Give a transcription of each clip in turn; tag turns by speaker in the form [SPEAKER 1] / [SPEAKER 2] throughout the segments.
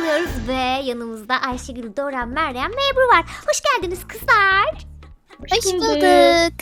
[SPEAKER 1] oluyoruz ve yanımızda Ayşegül, Dora, Meryem ve Ebru var. Hoş geldiniz kızlar.
[SPEAKER 2] Hoş bulduk.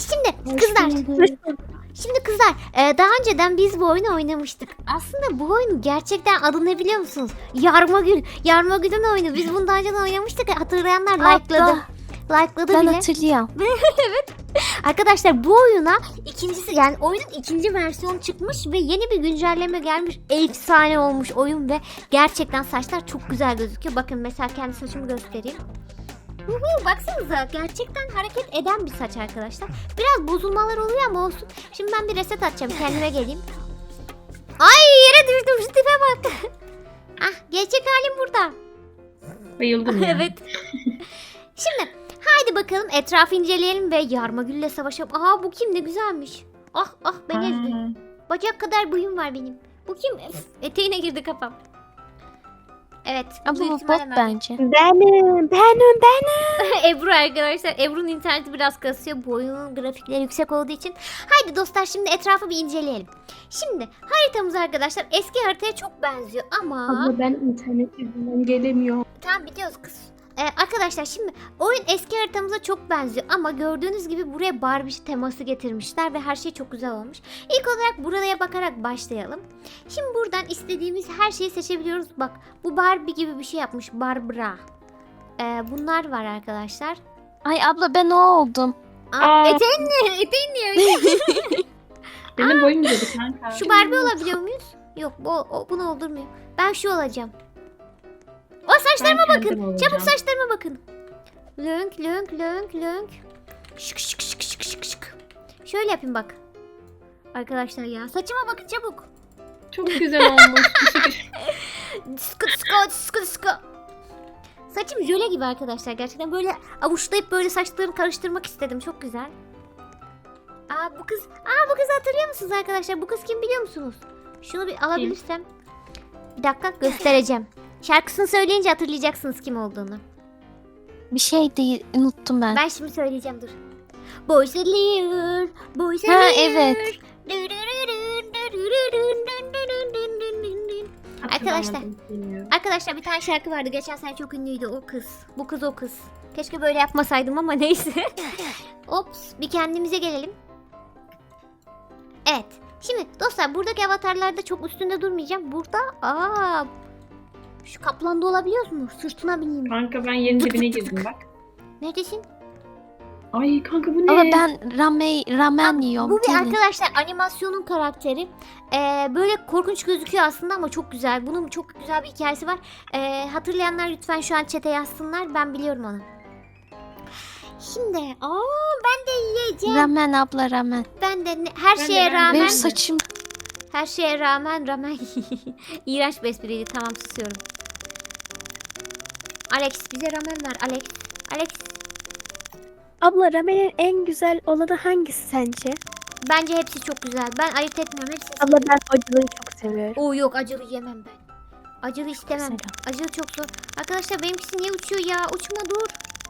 [SPEAKER 1] Şimdi kızlar, daha önceden biz bu oyunu oynamıştık. Aslında bu oyunun gerçekten adı ne biliyor musunuz? Yarmagül. Yarmagül'ün oyunu. Biz bunu daha önceden oynamıştık. Hatırlayanlar like'ladı. Like'ladı
[SPEAKER 2] Ben
[SPEAKER 1] bile.
[SPEAKER 2] hatırlıyorum.
[SPEAKER 1] Arkadaşlar bu oyuna ikincisi, yani oyunun ikinci versiyonu çıkmış ve yeni bir güncelleme gelmiş. Efsane olmuş oyun ve gerçekten saçlar çok güzel gözüküyor. Bakın mesela kendi saçımı göstereyim. Baksanıza, gerçekten hareket eden bir saç arkadaşlar. Biraz bozulmalar oluyor ama olsun. Şimdi ben bir reset atacağım, kendime geleyim. Ay, yere düştüm, şu tipe bak. Ah, gerçek halim burada.
[SPEAKER 3] Bayıldım ya.
[SPEAKER 1] Evet. Şimdi haydi bakalım etrafı inceleyelim ve Yarmagül'le savaşalım. Aha, bu kim, ne güzelmiş. Ah ah, beni ezdi. Bacak kadar boyum var benim. Bu kim? Eteğine girdi kafam. Evet.
[SPEAKER 2] Ama
[SPEAKER 1] büyük
[SPEAKER 2] bu bot
[SPEAKER 1] ihtimalle ben.
[SPEAKER 2] bence.
[SPEAKER 4] Benim.
[SPEAKER 1] Ebru arkadaşlar. Ebru'nun interneti biraz kasıyor. Bu oyunun grafikleri yüksek olduğu için. Haydi dostlar, şimdi etrafı bir inceleyelim. Şimdi haritamız arkadaşlar eski haritaya çok benziyor ama...
[SPEAKER 3] Abla ben internet yüzünden gelemiyorum.
[SPEAKER 1] Tamam, biliyoruz kız. Arkadaşlar şimdi oyun eski haritamıza çok benziyor ama gördüğünüz gibi buraya Barbie teması getirmişler ve her şey çok güzel olmuş. İlk olarak buraya bakarak başlayalım. Şimdi buradan istediğimiz her şeyi seçebiliyoruz. Bak, bu Barbie gibi bir şey yapmış, Barbara. Bunlar var arkadaşlar.
[SPEAKER 2] Ay abla ben o oldum.
[SPEAKER 1] Eteğin niye öyle?
[SPEAKER 3] Benim boyum dedi kanka.
[SPEAKER 1] Şu Barbie olabiliyor muyuz? Yok, bunu oldurmuyor. Ben şu olacağım. O saçlarıma
[SPEAKER 3] Ben
[SPEAKER 1] bakın.
[SPEAKER 3] kendim olacağım.
[SPEAKER 1] Çabuk saçlarıma bakın. Lönk lönk lönk lönk. Şık şık şık şık şık şık. Şöyle yapayım bak. Arkadaşlar ya, saçıma bakın çabuk.
[SPEAKER 3] Çok güzel olmuş.
[SPEAKER 1] Sıkı sıkı sıkı sıkı. Saçım jöle gibi arkadaşlar. Gerçekten böyle avuçlayıp böyle saçlarını karıştırmak istedim. Çok güzel. Bu kızı hatırlıyor musunuz arkadaşlar? Bu kız kim biliyor musunuz? Şunu bir alabilirsem. Bir dakika, göstereceğim. Şarkısını söyleyince hatırlayacaksınız kim olduğunu.
[SPEAKER 2] Bir şey değil, unuttum ben.
[SPEAKER 1] Ben şimdi söyleyeceğim, dur. Boys That Liar, Boys That
[SPEAKER 2] Ha,
[SPEAKER 1] Liar.
[SPEAKER 2] evet.
[SPEAKER 1] Arkadaşlar bir tane şarkı vardı. Geçen sene çok ünlüydü, o kız. Bu kız o kız. Keşke böyle yapmasaydım ama neyse. Ops, bir kendimize gelelim. Evet. Şimdi dostlar, buradaki avatarlarda çok üstünde durmayacağım. Burada şu kaplanda olabiliyor mu? Sırtına bineyim.
[SPEAKER 3] Kanka ben yerin dibine girdim bak.
[SPEAKER 1] Neredesin?
[SPEAKER 3] Ay kanka bu ne?
[SPEAKER 2] Ama ben ramen yiyorum.
[SPEAKER 1] Bu bir
[SPEAKER 2] gelin.
[SPEAKER 1] arkadaşlar animasyonun karakteri. Böyle korkunç gözüküyor aslında ama çok güzel. Bunun çok güzel bir hikayesi var. Hatırlayanlar lütfen şu an chat'e yazsınlar. Ben biliyorum onu. Şimdi ben de yiyeceğim.
[SPEAKER 2] Ramen abla ramen.
[SPEAKER 1] Ben de her
[SPEAKER 3] Ben de,
[SPEAKER 1] şeye
[SPEAKER 3] ben de.
[SPEAKER 1] rağmen.
[SPEAKER 2] Benim saçım
[SPEAKER 1] Her şeye rağmen ramen. İğrenç bir espriydi. Tamam, susuyorum. Alex, bize ramen ver Alex. Alex,
[SPEAKER 4] Abla ramenin en güzel olanı hangisi sence?
[SPEAKER 1] bence hepsi çok güzel. Ben ayırt etmiyorum, hepsini
[SPEAKER 4] Abla
[SPEAKER 1] seviyorum.
[SPEAKER 4] ben acılıyı çok seviyorum.
[SPEAKER 1] Yok, acılı yemem ben. Acılı istemem.
[SPEAKER 2] Mesela.
[SPEAKER 1] Acılı çok zor. Arkadaşlar benimkisi niye uçuyor ya? Uçma, dur.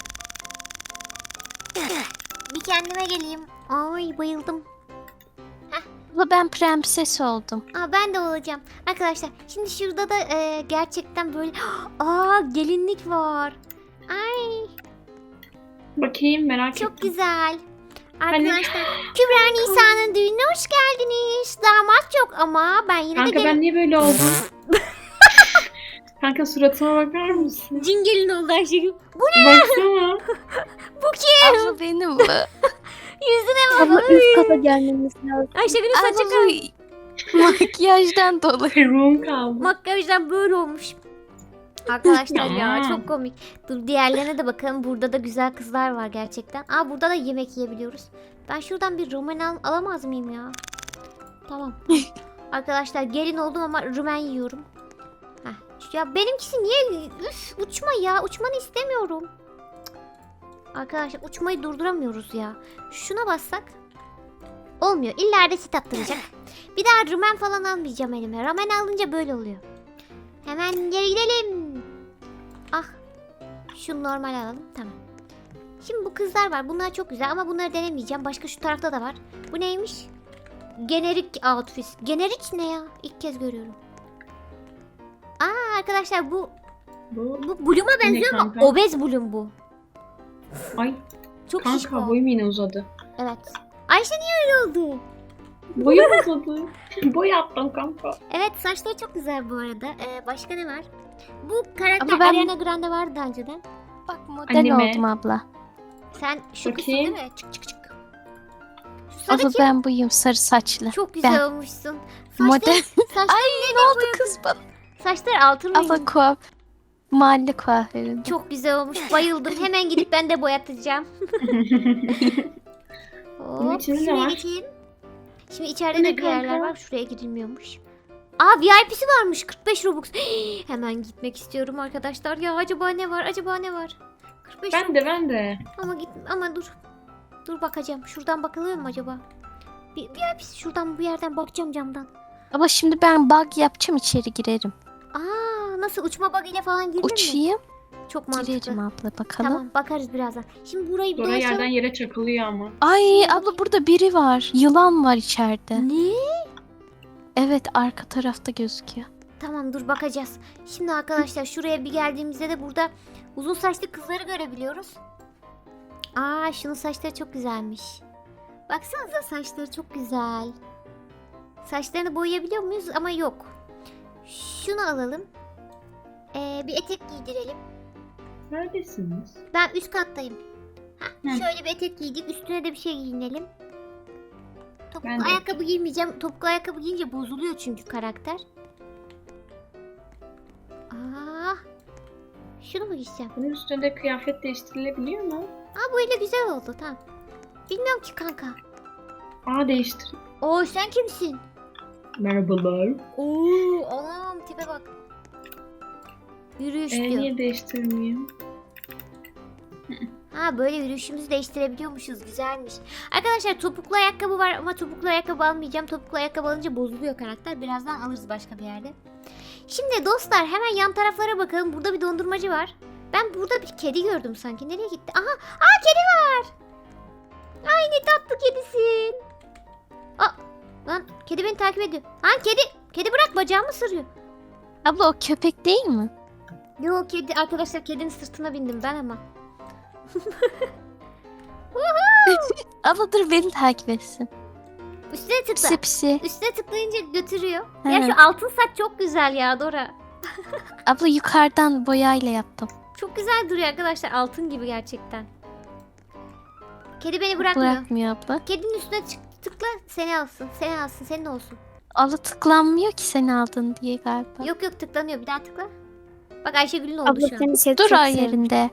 [SPEAKER 1] Bir kendime geleyim. Ay, bayıldım.
[SPEAKER 2] abla ben prenses oldum.
[SPEAKER 1] Ben de olacağım. Arkadaşlar şimdi şurada da gerçekten böyle gelinlik var. Ay,
[SPEAKER 3] Bakayım merak
[SPEAKER 1] çok
[SPEAKER 3] ettim.
[SPEAKER 1] güzel. Arkadaşlar Kübra Nisa'nın düğününe hoş geldiniz. Damat yok ama ben yine de
[SPEAKER 3] Kanka ben niye böyle oldum? Kanka suratıma bakar mısın?
[SPEAKER 1] cin gelin oldu Ayşegül.
[SPEAKER 3] Baksana.
[SPEAKER 1] Bu kim?
[SPEAKER 2] Abla benim bu.
[SPEAKER 1] Yüzüne bak.
[SPEAKER 4] Abla üst kata gelmemiz lazım.
[SPEAKER 1] Ayşegül'ün saçı
[SPEAKER 2] Abla makyajdan dolayı.
[SPEAKER 3] Peruğum kaldı.
[SPEAKER 1] makyajdan böyle olmuş. Arkadaşlar ya,
[SPEAKER 3] Ya.
[SPEAKER 1] çok komik. Dur, diğerlerine de bakalım. Burada da güzel kızlar var gerçekten. Burada da yemek yiyebiliyoruz. Ben şuradan bir rumen alamaz mıyım ya? Tamam. Arkadaşlar gelin oldum ama rumen yiyorum. Ya benimkisi niye? Uçma ya. Uçmanı istemiyorum. Cık. Arkadaşlar uçmayı durduramıyoruz ya. Şuna bassak. Olmuyor. İlla resit attıracak. Bir daha rumen falan almayacağım elime. Ramen alınca böyle oluyor. Hemen geri gidelim. Şunu normal alalım. Tamam. Şimdi bu kızlar var. Bunlar çok güzel ama bunları denemeyeceğim. Başka şu tarafta da var. Bu neymiş? Generik outfit. Generik ne ya? İlk kez görüyorum. Arkadaşlar bu
[SPEAKER 3] Bu.
[SPEAKER 1] Bu Bloom'a benziyor ama
[SPEAKER 3] kanka?
[SPEAKER 1] obez Bloom bu.
[SPEAKER 3] Ay
[SPEAKER 1] Çok
[SPEAKER 3] kanka
[SPEAKER 1] şişko.
[SPEAKER 3] boyum yine uzadı.
[SPEAKER 1] Evet. Ayşe niye öyle oldu?
[SPEAKER 3] Boyum uzadı. Boy attım kanka.
[SPEAKER 1] Evet, saçları çok güzel bu arada. Başka ne var? Bu karakter
[SPEAKER 2] Ama ben-
[SPEAKER 1] Ariana Grande vardı daha önceden.
[SPEAKER 2] Bak model
[SPEAKER 3] Anneme.
[SPEAKER 2] oldum abla.
[SPEAKER 1] Sen şu kızsın
[SPEAKER 3] Bakayım.
[SPEAKER 1] değil mi? Çık çık çık. Şu sarı
[SPEAKER 2] Abla
[SPEAKER 1] kim?
[SPEAKER 2] ben buyum sarı saçlı.
[SPEAKER 1] Çok güzel
[SPEAKER 2] Ben.
[SPEAKER 1] olmuşsun.
[SPEAKER 2] Model.
[SPEAKER 1] Saçlar,
[SPEAKER 2] Ay ne oldu kız bana?
[SPEAKER 1] saçlar altın
[SPEAKER 2] Abla
[SPEAKER 1] rengi.
[SPEAKER 2] mahalle kuaföründe.
[SPEAKER 1] Çok güzel olmuş. Bayıldım. Hemen gidip ben de boyatacağım.
[SPEAKER 3] Bunun
[SPEAKER 1] Hop,
[SPEAKER 3] içinde ne
[SPEAKER 1] şuraya
[SPEAKER 3] var?
[SPEAKER 1] geçeyim. Şimdi içeride
[SPEAKER 3] Bu
[SPEAKER 1] de
[SPEAKER 3] ne
[SPEAKER 1] bir yerler
[SPEAKER 3] kanka?
[SPEAKER 1] var. Şuraya girilmiyormuş. Aa, VIP'si varmış. 45 Robux. Hemen gitmek istiyorum arkadaşlar. Ya acaba ne var? Acaba ne var? 45
[SPEAKER 3] Ben de.
[SPEAKER 1] Ama dur. Dur bakacağım. Şuradan bakılıyor mu acaba? Bir VIP'si şuradan bu yerden bakacağım camdan.
[SPEAKER 2] Ama şimdi ben bug yapacağım içeri girerim.
[SPEAKER 1] Aa, nasıl uçma bug'ıyla falan girilir mi?
[SPEAKER 2] Uçayım
[SPEAKER 1] Çok mantıklı.
[SPEAKER 2] girerim abla bakalım.
[SPEAKER 1] Tamam, bakarız birazdan. Şimdi burayı bir
[SPEAKER 3] Dora
[SPEAKER 1] dolaşalım.
[SPEAKER 3] yerden yere çakılıyor ama.
[SPEAKER 2] Ay abla burada biri var. Yılan var içeride.
[SPEAKER 1] Ne?
[SPEAKER 2] Evet arka tarafta gözüküyor.
[SPEAKER 1] Tamam, dur bakacağız. Şimdi arkadaşlar şuraya bir geldiğimizde de burada uzun saçlı kızları görebiliyoruz. Aa, şunun saçları çok güzelmiş. Baksanıza, saçları çok güzel. Saçlarını boyayabiliyor muyuz? Ama yok. Şunu alalım. Bir etek giydirelim.
[SPEAKER 3] Neredesiniz?
[SPEAKER 1] Ben üst kattayım.
[SPEAKER 3] Hı.
[SPEAKER 1] Şöyle bir etek giydik. Üstüne de bir şey giyinelim. Topuklu
[SPEAKER 3] Ben de.
[SPEAKER 1] ayakkabı giymeyeceğim. Topuklu ayakkabı giyince bozuluyor çünkü karakter. Aa, şunu mu giyeceğim?
[SPEAKER 3] Bunun üstünde kıyafet değiştirilebiliyor mu?
[SPEAKER 1] Aa, böyle güzel oldu, tamam. Bilmiyorum ki kanka.
[SPEAKER 3] Aa değiştir.
[SPEAKER 1] Oo, sen kimsin?
[SPEAKER 3] Merhabalar.
[SPEAKER 1] Oo, anam tipe bak. Yürüyüş diyor.
[SPEAKER 3] Niye değiştirmeyeyim?
[SPEAKER 1] Ha, böyle yürüyüşümüzü değiştirebiliyormuşuz, güzelmiş. Arkadaşlar topuklu ayakkabı var ama topuklu ayakkabı almayacağım. Topuklu ayakkabı alınca bozuluyor karakter. Birazdan alırız başka bir yerde. Şimdi dostlar hemen yan taraflara bakalım. Burada bir dondurmacı var. Ben burada bir kedi gördüm sanki. Nereye gitti? Aha! Aa, kedi var! Ay ne tatlı kedisin. Aa, lan kedi beni takip ediyor. Lan kedi! Kedi bırak, bacağımı ısırıyor.
[SPEAKER 2] Abla o köpek değil mi?
[SPEAKER 1] Yok, kedi. Arkadaşlar kedinin sırtına bindim ben ama.
[SPEAKER 2] Abla dur beni takip etsin.
[SPEAKER 1] Üstüne tıkla.
[SPEAKER 2] Pisi pisi.
[SPEAKER 1] Üstüne tıklayınca götürüyor.
[SPEAKER 2] He.
[SPEAKER 1] Ya şu altın saç çok güzel ya Dora.
[SPEAKER 2] Abla yukarıdan boyayla yaptım.
[SPEAKER 1] Çok güzel duruyor arkadaşlar. Altın gibi gerçekten. Kedi beni bırakmıyor.
[SPEAKER 2] Bırakmıyor abla.
[SPEAKER 1] Kedinin üstüne tıkla, seni alsın. Seni alsın, senin olsun.
[SPEAKER 2] Abla tıklanmıyor ki sen aldın diye galiba.
[SPEAKER 1] Yok yok, tıklanıyor. Bir daha tıkla. Bak, Ayşegül'ün oldu
[SPEAKER 4] Abla
[SPEAKER 1] şu an.
[SPEAKER 4] seni kedi
[SPEAKER 2] Dur
[SPEAKER 4] çok
[SPEAKER 2] o
[SPEAKER 4] sevmiş.
[SPEAKER 2] yerinde.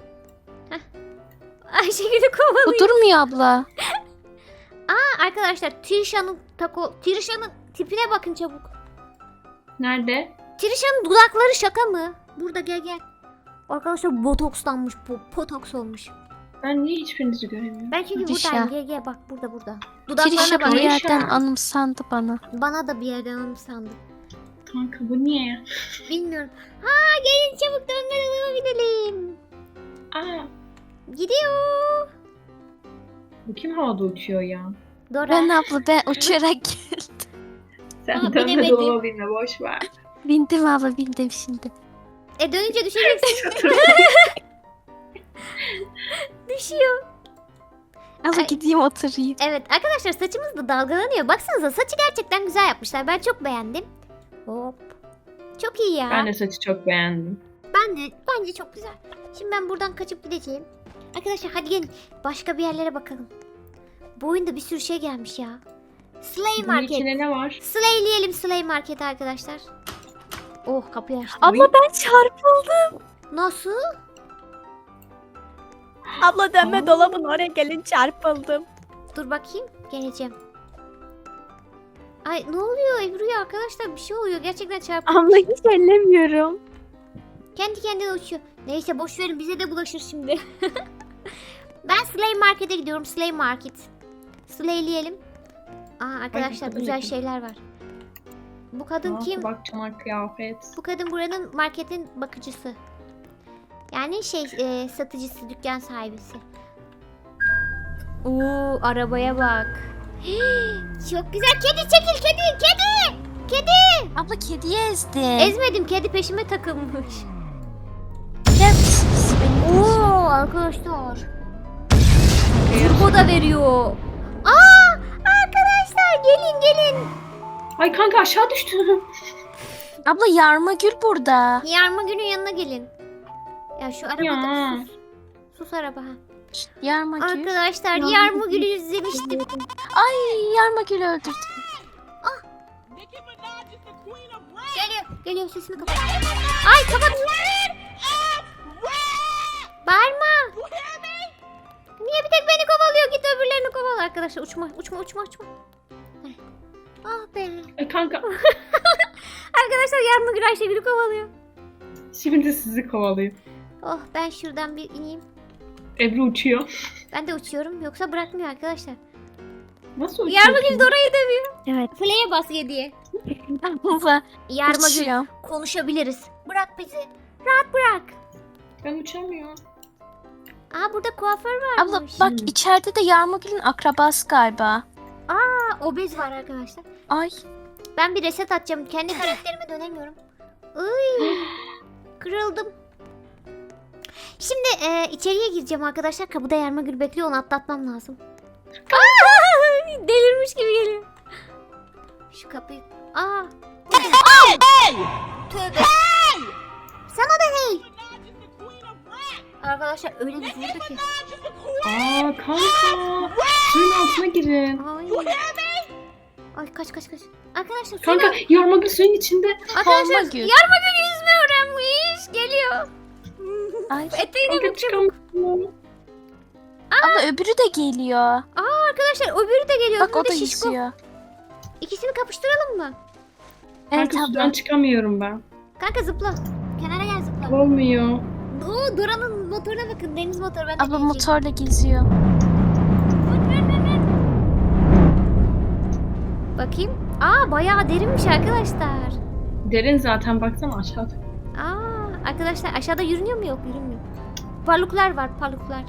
[SPEAKER 1] Ayşegül'ü kovalıyor.
[SPEAKER 2] Bu durmuyor abla.
[SPEAKER 1] Arkadaşlar Trisha'nın tipine bakın çabuk.
[SPEAKER 3] Nerede?
[SPEAKER 1] Trisha'nın dudakları şaka mı? Burada, gel gel. Arkadaşlar botokslanmış bu. Botoks olmuş.
[SPEAKER 3] Ben niye hiçbirinizi göremiyorum?
[SPEAKER 1] Ben çünkü
[SPEAKER 2] Trisha.
[SPEAKER 1] buradayım. Gel gel, bak burada. Dudaklarına
[SPEAKER 2] Trişa
[SPEAKER 1] bak.
[SPEAKER 2] bir
[SPEAKER 3] Trişa.
[SPEAKER 2] yerden anımsandı bana.
[SPEAKER 1] Bana da bir yerden anımsandı.
[SPEAKER 3] Kanka bu niye?
[SPEAKER 1] Bilmiyorum. Ha, gelin çabuk dönmeden gidelim.
[SPEAKER 3] Aa
[SPEAKER 1] Gidiyor.
[SPEAKER 3] bu kim havada uçuyor ya?
[SPEAKER 1] Dora.
[SPEAKER 2] Ben abla ben uçarak geldim.
[SPEAKER 3] Sen
[SPEAKER 1] Aa,
[SPEAKER 3] dönme
[SPEAKER 1] bilemedim.
[SPEAKER 3] dolaba binme boş ver.
[SPEAKER 2] Bindim abla bindim şimdi.
[SPEAKER 1] Dönünce düşeceksin. Düşüyor.
[SPEAKER 2] Abla
[SPEAKER 1] Ay.
[SPEAKER 2] gideyim oturayım.
[SPEAKER 1] Evet arkadaşlar, saçımız da dalgalanıyor. Baksanıza, saçı gerçekten güzel yapmışlar. Ben çok beğendim. Hop. Çok iyi ya.
[SPEAKER 3] Ben de saçı çok beğendim.
[SPEAKER 1] Bence çok güzel. Şimdi ben buradan kaçıp gideceğim. Arkadaşlar hadi gelin. Başka bir yerlere bakalım. Bu oyunda bir sürü şey gelmiş ya. Slay
[SPEAKER 3] Bunun
[SPEAKER 1] Market.
[SPEAKER 3] içinde ne var?
[SPEAKER 1] Slayleyelim Slay Market arkadaşlar. Oh, kapıyı açtım.
[SPEAKER 4] Abla ben çarpıldım.
[SPEAKER 1] Nasıl?
[SPEAKER 4] Abla dönme
[SPEAKER 3] Aa.
[SPEAKER 4] dolabın oraya gelin çarpıldım.
[SPEAKER 1] Dur bakayım. Geleceğim. Ay ne oluyor Ebru'ya arkadaşlar, bir şey oluyor. Gerçekten çarpıyor.
[SPEAKER 4] Abla hiç ellemiyorum.
[SPEAKER 1] Kendi kendine uçuyor. Neyse boş verin, bize de bulaşır şimdi. Ben Slay Market'e gidiyorum. Slay Market. Slayleyelim. Aa arkadaşlar,
[SPEAKER 3] kadın
[SPEAKER 1] güzel
[SPEAKER 3] kim?
[SPEAKER 1] şeyler var. Bu kadın kim?
[SPEAKER 3] Bak çanak kıyafet.
[SPEAKER 1] Bu kadın buranın marketin bakıcısı. Yani satıcısı, dükkan sahibisi. Oo, arabaya bak. Çok güzel. Kedi çekil, kedi.
[SPEAKER 2] Abla kediyi ezdi.
[SPEAKER 1] Ezmedim, kedi peşime takılmış. Oo arkadaşlar. Turbo da veriyor. Aa arkadaşlar gelin.
[SPEAKER 3] Ay kanka aşağı düştüm.
[SPEAKER 2] Abla Yarmagül burada.
[SPEAKER 1] Yarma günün yanına gelin. Ya şu arabada
[SPEAKER 3] Ya.
[SPEAKER 1] sus. Sus araba ha.
[SPEAKER 2] Yarmagül.
[SPEAKER 1] Arkadaşlar
[SPEAKER 3] Yarma
[SPEAKER 1] Yarma Gül'ü izlemiştim.
[SPEAKER 2] Ay Yarmagül'ü öldürdüm.
[SPEAKER 1] Geliyor sesini kapat. Ay kapat. Bağırma. Niye bir tek beni kovalıyor? Git öbürlerini kovala arkadaşlar. Uçma. Heh. Ah be.
[SPEAKER 3] Kanka
[SPEAKER 1] Arkadaşlar Yarma Gül Ayşegül'ü kovalıyor.
[SPEAKER 3] şimdi sizi kovalıyor.
[SPEAKER 1] Oh ben şuradan bir ineyim.
[SPEAKER 3] Ebru uçuyor.
[SPEAKER 1] Ben de uçuyorum. Yoksa bırakmıyor arkadaşlar.
[SPEAKER 3] Nasıl uçuyorsun?
[SPEAKER 1] Yarma Gül Dora'yı dövüyor.
[SPEAKER 4] Evet.
[SPEAKER 1] Play'e bas diye.
[SPEAKER 2] Abla
[SPEAKER 1] Yarma Gül
[SPEAKER 2] uçuyor.
[SPEAKER 1] konuşabiliriz. Bırak bizi. Rahat bırak.
[SPEAKER 3] Ben uçamıyorum.
[SPEAKER 1] Aa burada kuaför varmış.
[SPEAKER 2] Abla bak içeride de Yarmagül'ün akrabası galiba.
[SPEAKER 1] Aa obez var arkadaşlar.
[SPEAKER 2] Ay.
[SPEAKER 1] Ben bir reset atacağım. Kendi karakterime dönemiyorum. Iy, kırıldım. Şimdi içeriye gireceğim arkadaşlar. Kapıda Yarma Gül bekliyor. Onu atlatmam lazım. Aa, delirmiş gibi geliyor. Şu kapıyı... Aa. Tövbe. Sana da hey. Arkadaşlar öyle bir vurdu ki.
[SPEAKER 3] Aa kanka. Suyun altına girin.
[SPEAKER 1] Ay. Ay kaç. Arkadaşlar
[SPEAKER 3] Kanka Yarmagül suyun içinde.
[SPEAKER 1] Arkadaşlar
[SPEAKER 2] Yarmagül.
[SPEAKER 1] Yarma Gül yüzme öğrenmiş. Geliyor.
[SPEAKER 2] Ay.
[SPEAKER 1] Eteğine
[SPEAKER 3] Kanka
[SPEAKER 1] bak çabuk.
[SPEAKER 3] çıkamıyorum.
[SPEAKER 2] Abla öbürü de geliyor.
[SPEAKER 1] Arkadaşlar öbürü de geliyor.
[SPEAKER 2] Bak
[SPEAKER 1] Hem
[SPEAKER 2] o
[SPEAKER 1] de
[SPEAKER 2] da
[SPEAKER 1] şişko.
[SPEAKER 2] yüzüyor.
[SPEAKER 1] İkisini kapıştıralım mı?
[SPEAKER 2] Evet
[SPEAKER 3] Kanka sudan
[SPEAKER 2] abla.
[SPEAKER 3] çıkamıyorum ben.
[SPEAKER 1] Kanka zıpla. Kenara gel zıpla.
[SPEAKER 3] Olmuyor.
[SPEAKER 1] Oo Dora'nın motoruna bakın. Deniz motoru. Ben de
[SPEAKER 2] Abla
[SPEAKER 1] bineceğim.
[SPEAKER 2] motorla geziyor.
[SPEAKER 1] Bakayım. Aa bayağı derinmiş arkadaşlar.
[SPEAKER 3] Derin zaten baksana aşağıda.
[SPEAKER 1] Aa arkadaşlar aşağıda yürünüyor mu? Yok yürünmüyor. Parluklar var parluklar.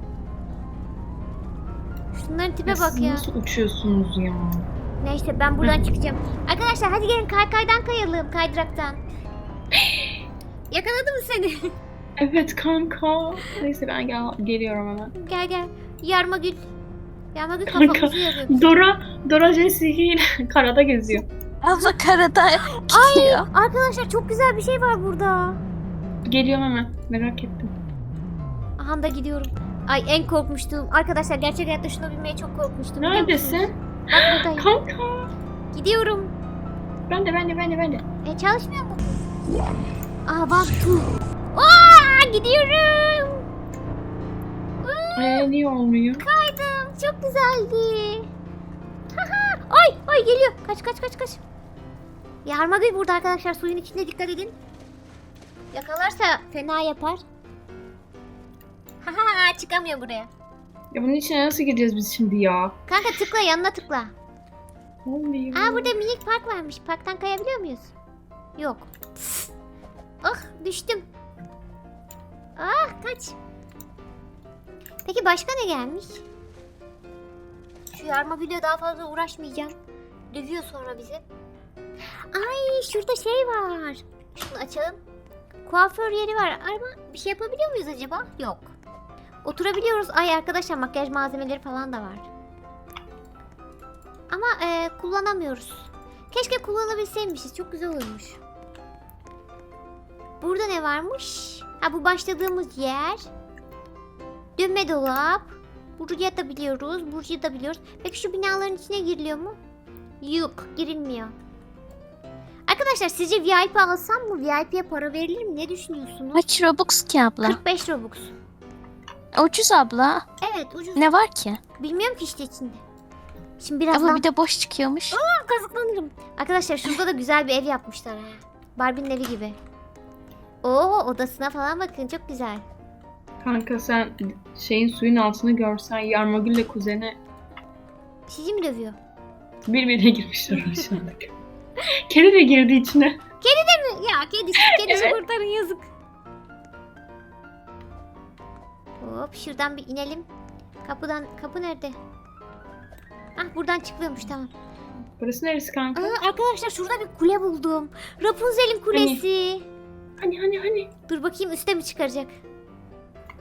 [SPEAKER 1] Şunların tipe bak
[SPEAKER 3] Siz
[SPEAKER 1] ya.
[SPEAKER 3] nasıl uçuyorsunuz ya?
[SPEAKER 1] Neyse ben buradan çıkacağım. Arkadaşlar hadi gelin kaydan kayalım kaydıraktan. Yakaladı mı seni?
[SPEAKER 3] Evet kanka. Neyse ben geliyorum hemen.
[SPEAKER 1] Gel. Yarma Gül. Yarma Gül
[SPEAKER 3] Kanka.
[SPEAKER 1] kafamızı yarıyor.
[SPEAKER 3] Dora Jessica ile karada geziyor.
[SPEAKER 2] Abla karada gidiyor.
[SPEAKER 1] Arkadaşlar çok güzel bir şey var burada.
[SPEAKER 3] Geliyorum hemen. Merak ettim.
[SPEAKER 1] Aha da gidiyorum. Ay en korkmuştum. Arkadaşlar gerçek hayatta şuna binmeye çok korkmuştum. biliyor musunuz?
[SPEAKER 3] Neredesin?
[SPEAKER 1] Bak buradayım.
[SPEAKER 3] Kanka.
[SPEAKER 1] Gidiyorum.
[SPEAKER 3] Ben de.
[SPEAKER 1] Çalışmıyor mu? Aa bak tu. Aa gidiyorum.
[SPEAKER 3] Niye olmuyor?
[SPEAKER 1] Kaydım. Çok güzeldi. ay geliyor. Kaç. Yarma Gül burada arkadaşlar. Suyun içinde dikkat edin. Yakalarsa fena yapar. Çıkamıyor buraya.
[SPEAKER 3] Ya bunun içine nasıl gireceğiz biz şimdi ya?
[SPEAKER 1] Kanka tıkla yanına tıkla.
[SPEAKER 3] Olmuyor.
[SPEAKER 1] Aa burada minik park varmış. Parktan kayabiliyor muyuz? Yok. Ah düştüm. Ah kaç. Peki başka ne gelmiş? Şu Yarma Gül'e daha fazla uğraşmayacağım. Dövüyor sonra bizi. Ay şurada şey var. Şunu açalım. Kuaför yeri var ama bir şey yapabiliyor muyuz acaba? Yok. Oturabiliyoruz. Ay arkadaşlar makyaj malzemeleri falan da var. Ama kullanamıyoruz. Keşke kullanabilseymişiz. Çok güzel olmuş. Burada ne varmış? Ha bu başladığımız yer. Dönme dolap. Buraya da biliyoruz. Buraya da biliyoruz. Peki şu binaların içine giriliyor mu? Yok girilmiyor. Arkadaşlar sizce VIP alsam mı? VIP'ye para verilir mi? Ne düşünüyorsunuz?
[SPEAKER 2] Kaç Robux ki abla?
[SPEAKER 1] 45 Robux.
[SPEAKER 2] Ucuz abla.
[SPEAKER 1] Evet ucuz.
[SPEAKER 2] Ne var ki?
[SPEAKER 1] Bilmiyorum ki işte içinde. Şimdi birazdan
[SPEAKER 2] Abla bir de boş çıkıyormuş.
[SPEAKER 1] kazıklanırım. Arkadaşlar şurada da güzel bir ev yapmışlar ha. Barbie'nin evi gibi. Oo odasına falan bakın çok güzel.
[SPEAKER 3] Kanka sen suyun altını görsen Yarmagül'le kuzeni
[SPEAKER 1] Sizi mi dövüyor?
[SPEAKER 3] birbirine girmişler aşağıda. Kedi de girdi içine.
[SPEAKER 1] Ya kedisi
[SPEAKER 3] Evet.
[SPEAKER 1] kurtarın yazık. Hop şuradan bir inelim. Kapı nerede? Ah buradan çıkılıyormuş tamam.
[SPEAKER 3] Burası neresi kanka?
[SPEAKER 1] Arkadaşlar şurada bir kule buldum. Rapunzel'in kulesi.
[SPEAKER 3] Hani.
[SPEAKER 1] Dur bakayım üste mi çıkaracak?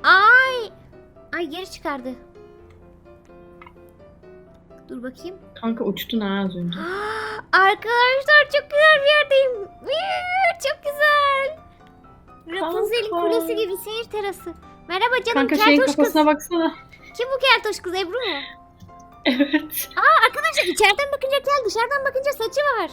[SPEAKER 1] Ay geri çıkardı. Dur bakayım.
[SPEAKER 3] Kanka uçtun ha az önce.
[SPEAKER 1] Arkadaşlar çok güzel bir yerdeyim. Çok güzel. Rapunzel'in
[SPEAKER 3] Kanka.
[SPEAKER 1] kulesi gibi seyir terası. Merhaba canım
[SPEAKER 3] Kanka şeyin
[SPEAKER 1] keltoş kız.
[SPEAKER 3] kafasına baksana.
[SPEAKER 1] Kim bu keltoş kız, Ebru mu?
[SPEAKER 3] Evet.
[SPEAKER 1] Arkadaşlar içeriden bakınca kel, dışarıdan bakınca saçı var.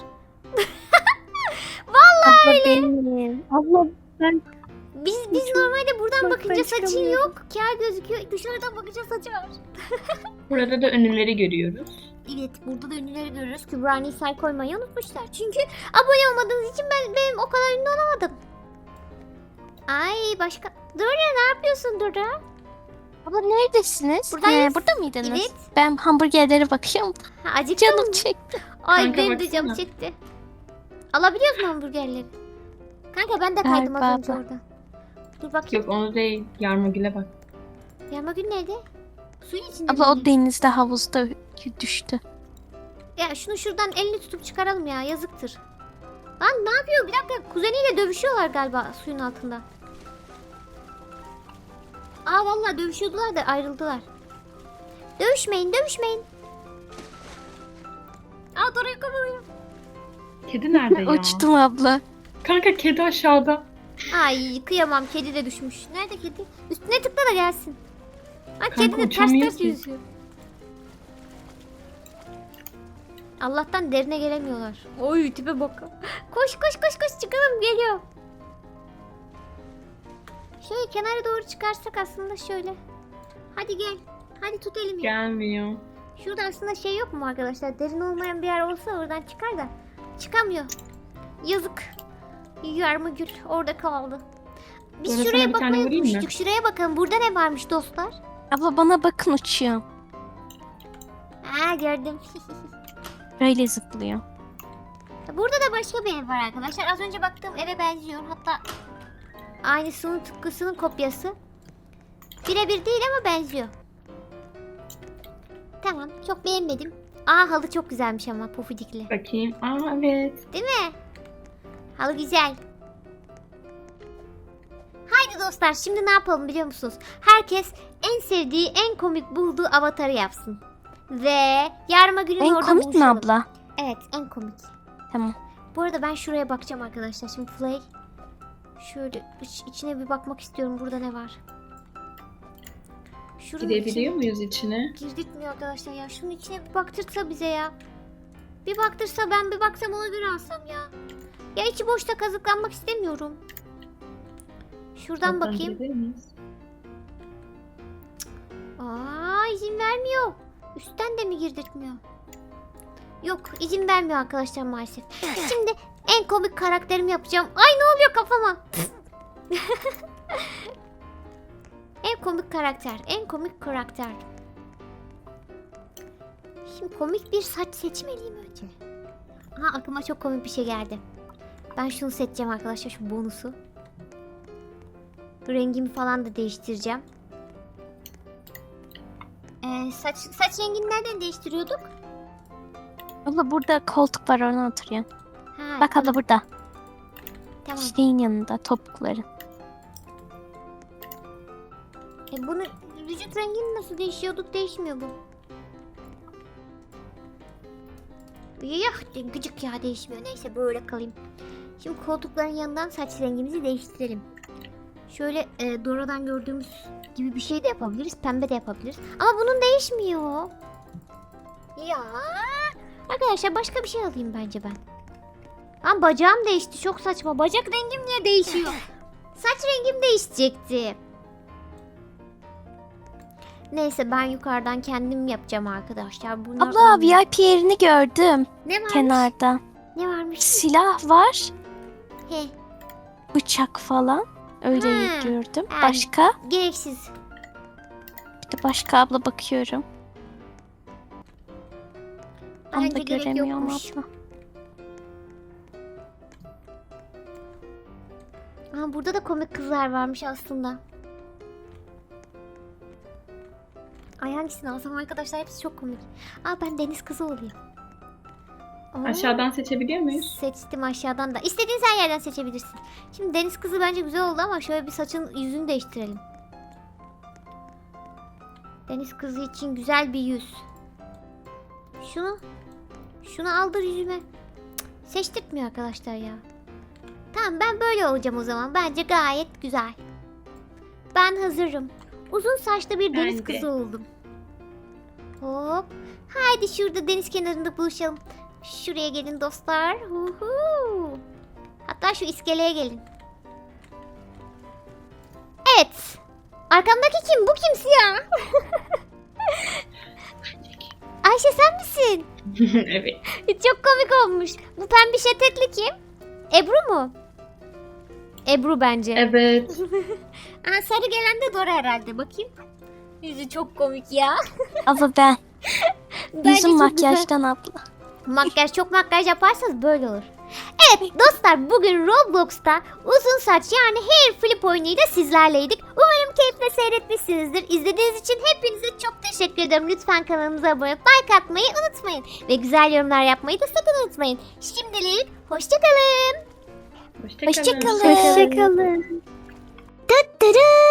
[SPEAKER 4] Abla benim. Abla ben
[SPEAKER 1] Biz normalde buradan
[SPEAKER 4] Bak,
[SPEAKER 1] bakınca
[SPEAKER 4] ben
[SPEAKER 1] saçın
[SPEAKER 4] çıkamıyorum.
[SPEAKER 1] yok. Kel gözüküyor. Dışarıdan bakınca saçı var.
[SPEAKER 3] Burada da önümleri görüyoruz.
[SPEAKER 1] Evet, burada da ünlüleri görüyoruz. Kübra Nisa'yı koymayı unutmuşlar. Çünkü abone olmadığınız için benim o kadar ünlü olamadım. Ay başka... Dora ne yapıyorsun Dora?
[SPEAKER 2] Abla neredesiniz?
[SPEAKER 1] Buradayız.
[SPEAKER 2] Burada mıydınız?
[SPEAKER 1] Evet.
[SPEAKER 2] Ben hamburgerlere bakıyorum.
[SPEAKER 1] Ha, acıktın
[SPEAKER 2] Canım
[SPEAKER 1] mı?
[SPEAKER 2] çekti.
[SPEAKER 1] Ay
[SPEAKER 3] Kanka
[SPEAKER 1] benim de canım
[SPEAKER 3] baksana.
[SPEAKER 1] çekti. Alabiliyor musun hamburgerleri? Kanka ben de kaydım az
[SPEAKER 2] Galiba
[SPEAKER 1] önce
[SPEAKER 2] abla.
[SPEAKER 1] orada. Dur bakayım.
[SPEAKER 3] Yok onu değil. Yarmagül'e bak.
[SPEAKER 1] Yarmagül nerede? Suyun içinde
[SPEAKER 2] Abla
[SPEAKER 1] mi?
[SPEAKER 2] o denizde havuzda düştü.
[SPEAKER 1] Ya şunu şuradan elini tutup çıkaralım ya, yazıktır. Lan ne yapıyor? Bir dakika, kuzeniyle dövüşüyorlar galiba suyun altında. Aa vallahi dövüşüyordular da ayrıldılar. Dövüşmeyin, dövüşmeyin. Aa Dora'yı kovalıyor.
[SPEAKER 3] Kedi nerede ya?
[SPEAKER 2] Uçtum abla.
[SPEAKER 3] Kanka kedi aşağıda.
[SPEAKER 1] Ay kıyamam, kedi de düşmüş. Nerede kedi? Üstüne tıkla da gelsin. Ay
[SPEAKER 3] Kanka
[SPEAKER 1] kedi de ters
[SPEAKER 3] uçamıyor
[SPEAKER 1] ters
[SPEAKER 3] ki.
[SPEAKER 1] yüzüyor. Allah'tan derine gelemiyorlar. Oy tipe bak. Koş koş koş koş çıkalım, geliyor. Şöyle kenara doğru çıkarsak aslında şöyle. Hadi gel. Hadi tut elimi.
[SPEAKER 3] Gelmiyor.
[SPEAKER 1] Şurada aslında şey yok mu arkadaşlar? Derin olmayan bir yer olsa oradan çıkar da. Çıkamıyor. Yazık. Yarmagül orada kaldı. Biz
[SPEAKER 3] Sonra
[SPEAKER 1] şuraya
[SPEAKER 3] sana bir tane
[SPEAKER 1] bakmayı
[SPEAKER 3] vurayım mı?
[SPEAKER 1] unutmuştuk. Şuraya bakalım. Burada ne varmış dostlar?
[SPEAKER 2] Abla bana bakın uçuyor.
[SPEAKER 1] Aa gördüm.
[SPEAKER 2] Böyle zıplıyor.
[SPEAKER 1] Burada da başka bir ev var arkadaşlar. Az önce baktığım eve benziyor. Hatta aynısının tıpkısının kopyası. Birebir değil ama benziyor. Tamam, çok beğenmedim. Aa halı çok güzelmiş ama pufudikli.
[SPEAKER 3] Bakayım. Aa evet.
[SPEAKER 1] Değil mi? Halı güzel. Haydi dostlar, şimdi ne yapalım biliyor musunuz? Herkes en sevdiği, en komik bulduğu avatarı yapsın. Ve Yarmagül'ün
[SPEAKER 2] En
[SPEAKER 1] orada
[SPEAKER 2] komik mi
[SPEAKER 1] buluşalım.
[SPEAKER 2] abla?
[SPEAKER 1] Evet, en komik.
[SPEAKER 2] Tamam.
[SPEAKER 1] Bu arada ben şuraya bakacağım arkadaşlar. Şimdi Play. Şöyle içine bir bakmak istiyorum. Burada ne var? Şunun
[SPEAKER 3] Gidebiliyor muyuz içine?
[SPEAKER 1] Girdirtmiyor arkadaşlar ya. Şunun içine bir baktırsa bize ya. Bir baktırsa, ben bir baksam, onu bir alsam ya. Ya içi boşta kazıklanmak istemiyorum. Şuradan
[SPEAKER 3] Oradan
[SPEAKER 1] bakayım.
[SPEAKER 3] gidebilir miyiz?
[SPEAKER 1] Aa izin vermiyor. Üstten de mi girdirtmiyor? Yok, izin vermiyor arkadaşlar maalesef. Şimdi en komik karakterimi yapacağım. Ay ne oluyor kafama? En komik karakter. En komik karakter. Şimdi komik bir saç seçmeliyim önce. Aha aklıma çok komik bir şey geldi. Ben şunu seçeceğim arkadaşlar, şu bonusu. Rengimi falan da değiştireceğim. Saç rengini nereden değiştiriyorduk?
[SPEAKER 2] Abla burada koltuk var, ona oturuyor.
[SPEAKER 1] Ha,
[SPEAKER 2] Bak abla burada.
[SPEAKER 1] tamam.
[SPEAKER 2] Şeyin yanında topukları.
[SPEAKER 1] Bunu vücut rengini nasıl değişiyorduk? Değişmiyor bu. Yah gıcık ya, değişmiyor. Neyse böyle kalayım. Şimdi koltukların yanından saç rengimizi değiştirelim. Şöyle Dora'dan gördüğümüz gibi bir şey de yapabiliriz. Pembe de yapabiliriz. Ama bunun değişmiyor. Ya. Arkadaşlar başka bir şey alayım bence ben. Ama bacağım değişti. Çok saçma. Bacak rengim niye değişiyor? Saç rengim değişecekti. Neyse ben yukarıdan kendim yapacağım arkadaşlar. Bunlar
[SPEAKER 2] Abla
[SPEAKER 1] olmuyor.
[SPEAKER 2] VIP yerini gördüm
[SPEAKER 1] Ne varmış?
[SPEAKER 2] kenarda.
[SPEAKER 1] Ne varmış?
[SPEAKER 2] Silah var,
[SPEAKER 1] He,
[SPEAKER 2] bıçak falan. Öyle
[SPEAKER 1] Ha,
[SPEAKER 2] gördüm.
[SPEAKER 1] yani-
[SPEAKER 2] Başka?
[SPEAKER 1] gereksiz.
[SPEAKER 2] Bir de başka abla bakıyorum. Onu
[SPEAKER 1] Bence
[SPEAKER 2] da
[SPEAKER 1] gerek
[SPEAKER 2] göremiyorum
[SPEAKER 1] yokmuş.
[SPEAKER 2] abla.
[SPEAKER 1] Aa, burada da komik kızlar varmış aslında. Ay hangisini alsam arkadaşlar, hepsi çok komik. Aa ben deniz kızı olayım. Aa,
[SPEAKER 3] Aşağıdan seçebiliyor muyuz?
[SPEAKER 1] seçtim aşağıdan da. İstediğin her yerden seçebilirsin. Şimdi deniz kızı bence güzel oldu ama şöyle bir saçın yüzünü değiştirelim. Deniz kızı için güzel bir yüz. Şunu aldır yüzüme. Cık, seçtirtmiyor arkadaşlar ya. Tamam, ben böyle olacağım o zaman. Bence gayet güzel. Ben hazırım. Uzun saçlı bir deniz
[SPEAKER 3] Ben de.
[SPEAKER 1] kızı oldum. Hop. Haydi şurada deniz kenarında buluşalım. Şuraya gelin dostlar. Huhu. Hatta şu iskeleye gelin. Evet. Arkamdaki kim? Bu kim siyah? Ayşe sen misin?
[SPEAKER 3] Evet.
[SPEAKER 1] Çok komik olmuş. Bu pembiş etekli kim? Ebru mu? Ebru bence.
[SPEAKER 3] Evet.
[SPEAKER 1] Aa, sarı gelen de Dora herhalde. Bakayım. Yüzü çok komik ya.
[SPEAKER 2] Abla ben.
[SPEAKER 1] Bence
[SPEAKER 2] Yüzüm
[SPEAKER 1] çok güzel.
[SPEAKER 2] makyajdan abla.
[SPEAKER 1] Çok makyaj yaparsanız böyle olur. Evet dostlar, bugün Roblox'ta uzun saç yani hair flip oyunuyla sizlerleydik. Umarım keyifle seyretmişsinizdir. İzlediğiniz için hepinize çok teşekkür ederim. Lütfen kanalımıza abone olup like atmayı unutmayın. Ve güzel yorumlar yapmayı da sakın unutmayın. Şimdilik hoşçakalın.
[SPEAKER 3] Hoşça kalın.
[SPEAKER 2] Hoşça kalın.
[SPEAKER 4] Hoşçakalın.
[SPEAKER 1] Tadam!